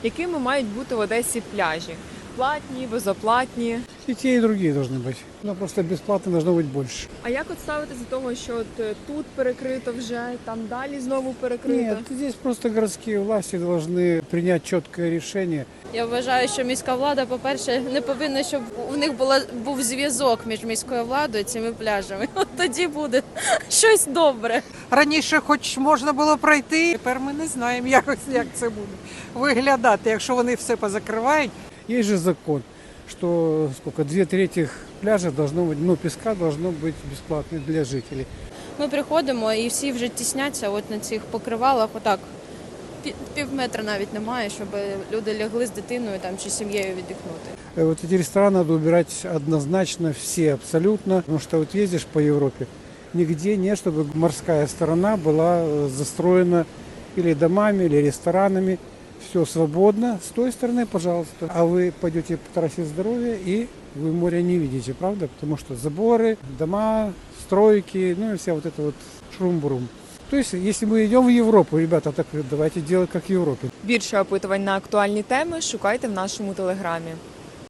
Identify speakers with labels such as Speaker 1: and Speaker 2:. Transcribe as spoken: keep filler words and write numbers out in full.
Speaker 1: Якими мають бути в Одесі пляжі? Платні, безоплатні?
Speaker 2: И те, и другие должны быть. Но просто бесплатно должно быть больше.
Speaker 1: А як от ставитися до того, що от е, тут перекрито вже, там далі знову перекрито?
Speaker 2: Нет, здесь просто городские власти должны принять четкое решение.
Speaker 3: Я вважаю, що міська влада, по-перше, не повинна, щоб у них була був зв'язок між міською владою і цими пляжами. От тоді буде щось добре.
Speaker 4: Раніше хоч можна було пройти, тепер ми не знаємо, як, як це буде виглядати, якщо вони все позакривають.
Speaker 2: Есть же закон, что сколько, две трети пляжа должно быть, ну, песка должно быть бесплатно для жителей.
Speaker 3: Ми приходимо і всі вже тісняться от на цих покривалах, отак, пі- пів метра навіть немає, щоб люди лягли з дитиною там, чи сім'єю віддихнути.
Speaker 2: Э, Вот эти рестораны надо убирать однозначно все, абсолютно. Потому что вот ездишь по Европе, нигде нет, чтобы морская сторона была э, застроена или домами, или ресторанами. Все свободно. С той стороны, пожалуйста. А вы пойдете по трассе здоровья, и вы море не видите, правда? Потому что заборы, дома, стройки, ну и вся вот эта вот шрум-брум. То есть, если мы идем в Европу, ребята, так давайте делать как в Европе.
Speaker 1: Більше опитувань на актуальні теми шукайте в нашому телеграмі.